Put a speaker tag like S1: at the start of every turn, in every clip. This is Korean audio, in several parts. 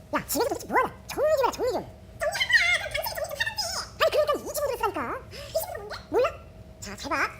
S1: 야, 집에서 도대체 뭐하나? 정리 좀 해라, 정리 좀. 정리하라! 그럼 당신이 정리 좀 하던데! 아니, 그러니까 이 집으로 쓰라니까. 이 집으로 뭔데? 몰라? 자, 잘 봐.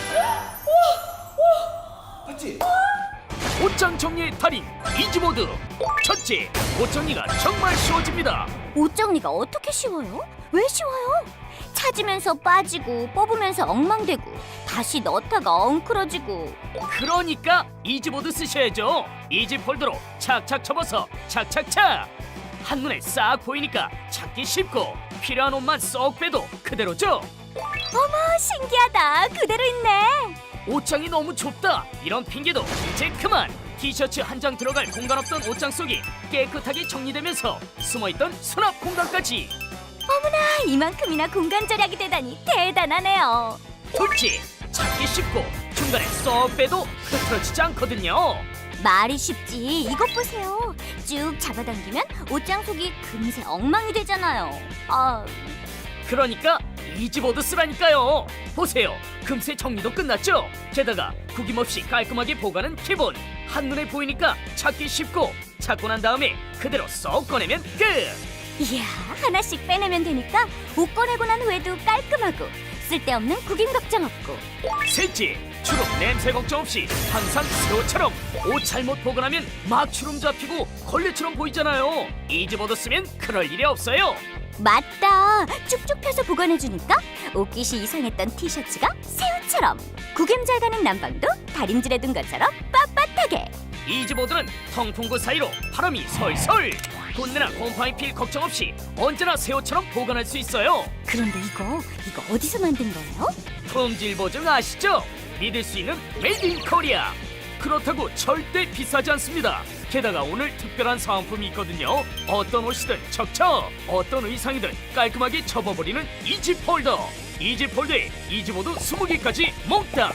S2: 봤지?
S3: 옷장 정리의 달인 이지보드. 첫째, 옷 정리가 정말 쉬워집니다.
S4: 옷 정리가 어떻게 쉬워요? 왜 쉬워요? 찾으면서 빠지고 뽑으면서 엉망되고 다시 넣다가 엉클어지고.
S3: 그러니까 이지보드 쓰셔야죠. 이지 폴더로 착착 접어서 착착착. 한눈에 싹 보이니까 찾기 쉽고 필요한 옷만 쏙 빼도 그대로죠.
S4: 어머, 신기하다. 그대로 있네.
S3: 옷장이 너무 좁다, 이런 핑계도 이제 그만. 티셔츠 한 장 들어갈 공간 없던 옷장 속이 깨끗하게 정리되면서 숨어있던 수납 공간까지.
S4: 어머나, 이만큼이나 공간 절약이 되다니 대단하네요.
S3: 둘째, 찾기 쉽고 중간에 쏙 빼도 흐트러지지 않거든요.
S4: 말이 쉽지 이것 보세요. 쭉 잡아당기면 옷장 속이 금세 엉망이 되잖아요.
S3: 그러니까 이지보드 쓰라니까요. 보세요, 금세 정리도 끝났죠. 게다가 구김없이 깔끔하게 보관은 기본. 한눈에 보이니까 찾기 쉽고 찾고 난 다음에 그대로 쏙 꺼내면 끝.
S4: 이야, 하나씩 빼내면 되니까 옷 꺼내고 난 후에도 깔끔하고 쓸데없는 구김 걱정 없고.
S3: 셋째, 주름 냄새 걱정 없이 항상 새 옷처럼. 옷 잘못 보관하면 막 주름 잡히고 걸레처럼 보이잖아요. 이지보드 쓰면 그럴 일이 없어요.
S4: 맞다, 쭉쭉 펴서 보관해주니까 옷깃이 이상했던 티셔츠가 새 옷처럼, 구김 잘 가는 난방도 다림질해둔 것처럼 빳빳하게.
S3: 이지보드는 통풍구 사이로 바람이 솔솔. 돈내나 곰팡이 필 걱정 없이 언제나 새 옷처럼 보관할 수 있어요.
S4: 그런데 이거 어디서 만든 거예요?
S3: 품질 보증 아시죠? 믿을 수 있는 메이드 인 코리아. 그렇다고 절대 비싸지 않습니다. 게다가 오늘 특별한 사은품이 있거든요. 어떤 옷이든 척척, 어떤 의상이든 깔끔하게 접어버리는 이지 폴더. 이지 폴더에 이지보드 20개까지 몽땅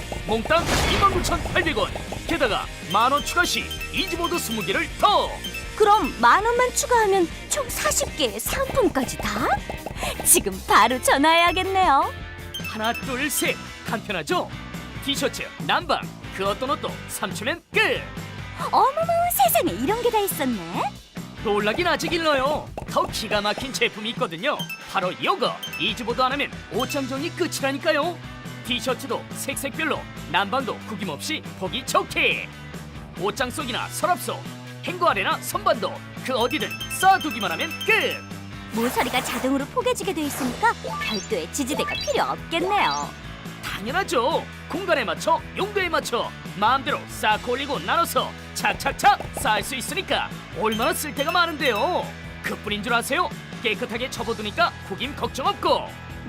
S3: 29,800원. 게다가 만원 추가 시 이지보드 20개를 더.
S4: 그럼 10,000원만 추가하면 총 40개의 상품까지 다? 지금 바로 전화해야겠네요.
S3: 하나 둘 셋, 간편하죠? 티셔츠, 난방, 그 어떤 옷도 3초면 끝.
S4: 어머머, 세상에 이런 게 다 있었네.
S3: 놀라긴 아직 일러요. 더 기가 막힌 제품이 있거든요. 바로 이거. 이지보드 안 하면 옷장 정리 끝이라니까요. 티셔츠도 색색별로, 난방도 구김없이 보기 좋게. 옷장 속이나 서랍 속, 행거 아래나 선반도 그 어디든 쌓아두기만 하면 끝.
S4: 모서리가 자동으로 포개지게 돼 있으니까 별도의 지지대가 필요 없겠네요.
S3: 당연하죠. 공간에 맞춰, 용도에 맞춰 마음대로 싹 올리고 나눠서 착착착 쌓을 수 있으니까 얼마나 쓸데가 많은데요. 그뿐인 줄 아세요? 깨끗하게 접어두니까 구김 걱정 없고.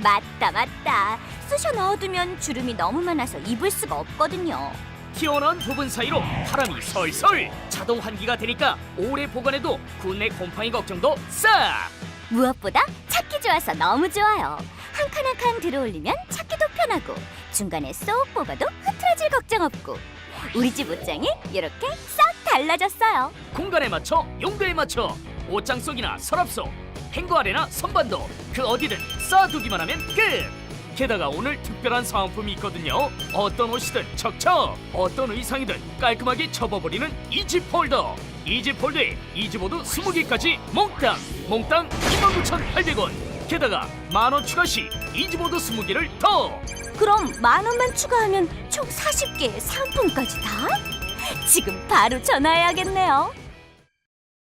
S4: 맞다. 쑤셔 넣어두면 주름이 너무 많아서 입을 수가 없거든요.
S3: 튀어나온 부분 사이로 바람이 솔솔. 자동 환기가 되니까 오래 보관해도 군내 곰팡이 걱정도 싹.
S4: 무엇보다 찾기 좋아서 너무 좋아요. 한 칸 한 칸 들어올리면 찾기도 편하고 중간에 쏙 뽑아도 흐트러질 걱정 없고. 우리 집 옷장이 이렇게 싹 달라졌어요.
S3: 공간에 맞춰, 용도에 맞춰 옷장 속이나 서랍 속, 행거 아래나 선반도 그 어디든 쌓아두기만 하면 끝. 게다가 오늘 특별한 사은품이 있거든요. 어떤 옷이든 척척, 어떤 의상이든 깔끔하게 접어버리는 이지 폴더. 이지 폴더에 이지보드 20개까지 몽땅 29,800원. 게다가 만원 추가 시 이지보드 20개를 더.
S4: 그럼 10,000원만 추가하면 총 40개의 상품까지 다? 지금 바로 전화해야겠네요.